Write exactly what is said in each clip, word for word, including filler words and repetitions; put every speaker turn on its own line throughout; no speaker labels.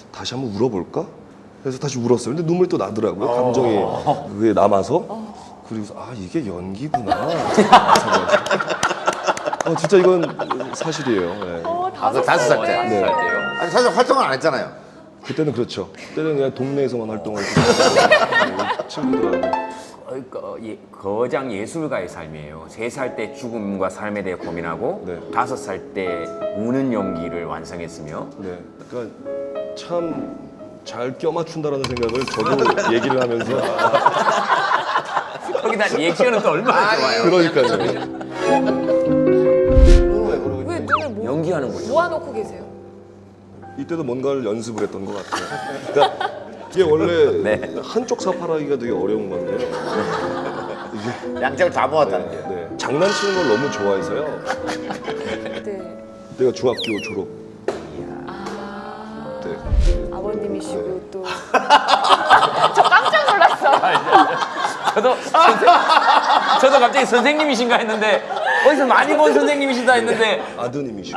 다시 한번 울어볼까? 그래서 다시 울었어요. 근데 눈물이 또 나더라고요. 감정이 그게 남아서. 그리고 아 이게 연기구나. 어, 진짜 이건 사실이에요. 네.
어,
아, 그 다섯 살 때.
네.
아니 사실 활동을 안 했잖아요.
그때는 그렇죠. 그때는 그냥 동네에서만 활동을 했고 친구들하고.
어, 그, 예, 거장 예술가의 삶이에요. 세 살 때 죽음과 삶에 대해 고민하고
네.
다섯 살 때 우는 연기를 완성했으며
네. 그러니까 참 잘 껴맞춘다라는 생각을 저도 얘기를 하면서
거기다 리액션은 또 얼마나 좋아요.
그러니까요.
왜 눈을 모,
연기하는 거죠.
모아놓고 계세요?
이때도 뭔가를 연습을 했던 것 같아요. 그러니까 이게 원래
네.
한쪽 사파라기가 되게 어려운 건데요.
양쪽을 다 모았다는 게.
네. 장난치는 걸 너무 좋아해서요.
네.
내가 중학교 졸업
아,
때
아버님이시고 또. 저 깜짝 놀랐어.
저도 선생, 저도 갑자기 선생님이신가 했는데 어디서 많이 본 선생님이시다 했는데
아드님이시고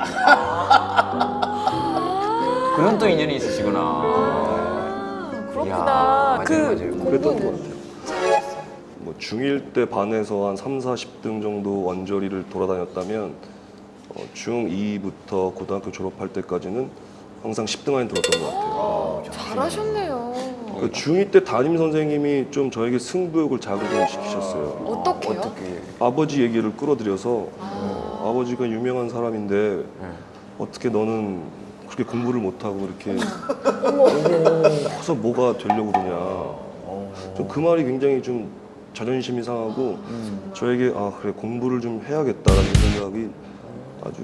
그런 또 인연이 있으시구나.
아, 그렇구나.
이야,
그
맞아요, 맞아요.
그랬던 것
공부는
같아요. 뭐 중일 때 반에서 한 삼, 사십 등 정도 원저리를 돌아다녔다면 어, 중이부터 고등학교 졸업할 때까지는 항상 십 등 안에 들었던 것 같아요.
잘하셨네요.
그 중이 때 담임 선생님이 좀 저에게 승부욕을 자극을 시키셨어요.
어떻게요?
어떻게?
아버지 얘기를 끌어들여서 어, 아버지가 유명한 사람인데 어떻게 너는 그렇게 공부를 못하고 이렇게 커서 뭐가 되려고 그러냐. 좀 그 말이 굉장히 좀 자존심이 상하고 저에게 아 그래 공부를 좀 해야겠다라는 생각이 아주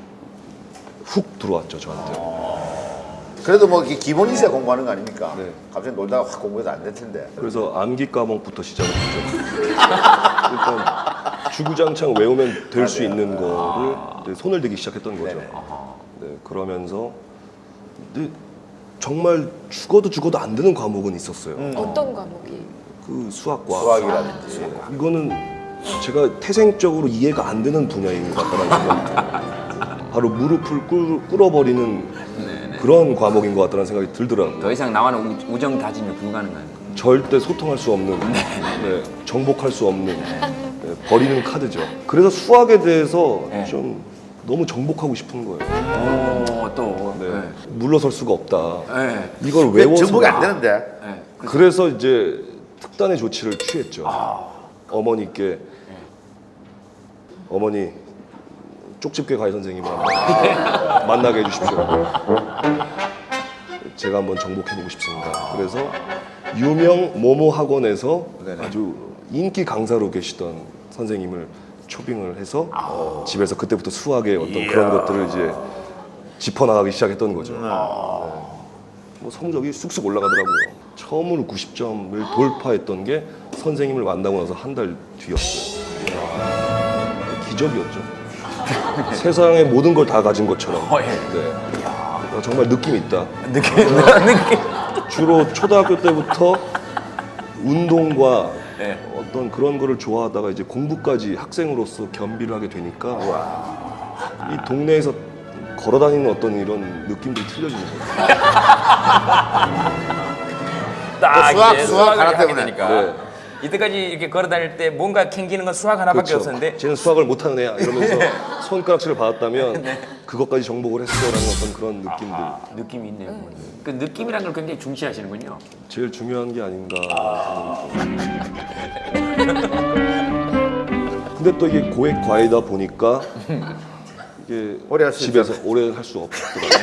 훅 들어왔죠 저한테.
그래도 뭐 이게 기본이 있어야 공부하는 거 아닙니까?
네.
갑자기 놀다가 확 공부해서 안 될 텐데.
그래서 암기 과목부터 시작을 했죠. 일단 주구장창 외우면 될 수 있는 거를 이제 손을 대기 시작했던 거죠.
네네.
네, 그러면서 근데 정말 죽어도 죽어도 안 되는 과목은 있었어요.
어떤 과목이?
그 수학과.
수학이라든지.
네, 이거는 제가 태생적으로 이해가 안 되는 분야인 것 같다는 생각이 들어요. 바로 무릎을 꿇, 꿇어버리는 그런 과목인 것 같다는 생각이 들더라고요.
더 이상 나와는 우- 우정 다짐이 불가능한 거.
절대 소통할 수 없는, 네, 정복할 수 없는 네, 버리는 카드죠. 그래서 수학에 대해서
네.
좀 너무 정복하고 싶은 거예요.
오, 또.
네.
네.
물러설 수가 없다.
네.
이걸
왜
외워서
정복이 안 되는데?
네.
그래서 이제 특단의 조치를 취했죠. 어머니께 어머니 쪽집게 과외 선생님을 한번 만나게 해주십시오. 제가 한번 정복해보고 싶습니다. 그래서 유명 모모 학원에서
네네.
아주 인기 강사로 계시던 선생님을 초빙을 해서 어, 집에서 그때부터 수학의 어떤 그런 것들을 이제 짚어나가기 시작했던 거죠. 네. 뭐 성적이 쑥쑥 올라가더라고요. 처음으로 구십 점을 돌파했던 게 선생님을 만나고 나서 한 달 뒤였어요. 기적이었죠. 세상의 모든 걸 다 가진 것처럼.
어, 예.
네. 어, 정말 느낌 있다.
느낌, 느낌.
주로 초등학교 때부터 운동과
네.
어떤 그런 거를 좋아하다가 이제 공부까지 학생으로서 겸비를 하게 되니까 이 동네에서 걸어다니는 어떤 이런 느낌들이 틀려지는 거예요.
딱
수학,
이제
수학
수학을
하나
하게
때문에.
되니까.
네.
이때까지 이렇게 걸어 다닐 때 뭔가 캥기는 건 수학 하나밖에
그렇죠.
없었는데
쟤는 수학을 못하는 애야 이러면서 손가락질을 받았다면 그것까지 정복을 했어라는 어떤 그런 느낌들.
느낌이 있네요. 그 느낌이라는 걸 굉장히 중시하시는군요.
제일 중요한 게 아닌가. 근데 또 이게 고액 과외다 보니까 이게
오래 할수
집에서 오래 할 수 없더라고요.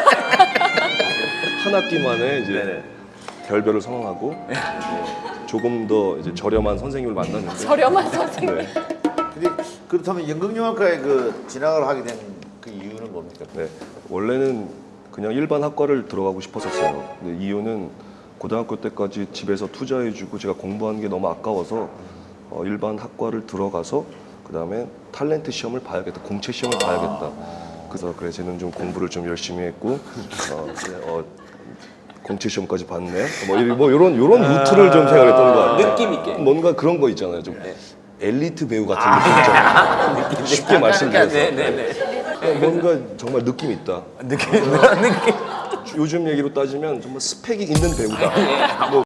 한 학기 만에 이제
네네.
결별을 선언하고 조금 더 이제 저렴한 선생님을 만났는데
저렴한 선생님.
네.
근데 그렇다면 연극영화과에 그 진학을 하게 된 그 이유는 뭡니까?
네. 원래는 그냥 일반 학과를 들어가고 싶었었어요. 근데 이유는 고등학교 때까지 집에서 투자해주고 제가 공부한 게 너무 아까워서 어, 일반 학과를 들어가서 그 다음에 탤런트 시험을 봐야겠다, 공채 시험을 봐야겠다. 그래서 그래 쟤는 좀 공부를 좀 열심히 했고 어, 그래, 어, 공채 시험까지 봤네. 뭐, 이- 뭐 이런 이런 루트를 좀 생각했던 것 같아요.
느낌 있게.
뭔가 그런 거 있잖아요. 좀 엘리트 배우 같은 느낌 있잖아요. 쉽게 말씀드려서.
네, 네, 네.
뭔가 정말 느낌 있다.
느낌, 느낌.
요즘 얘기로 따지면 정말 스펙이 있는 배우다. 뭐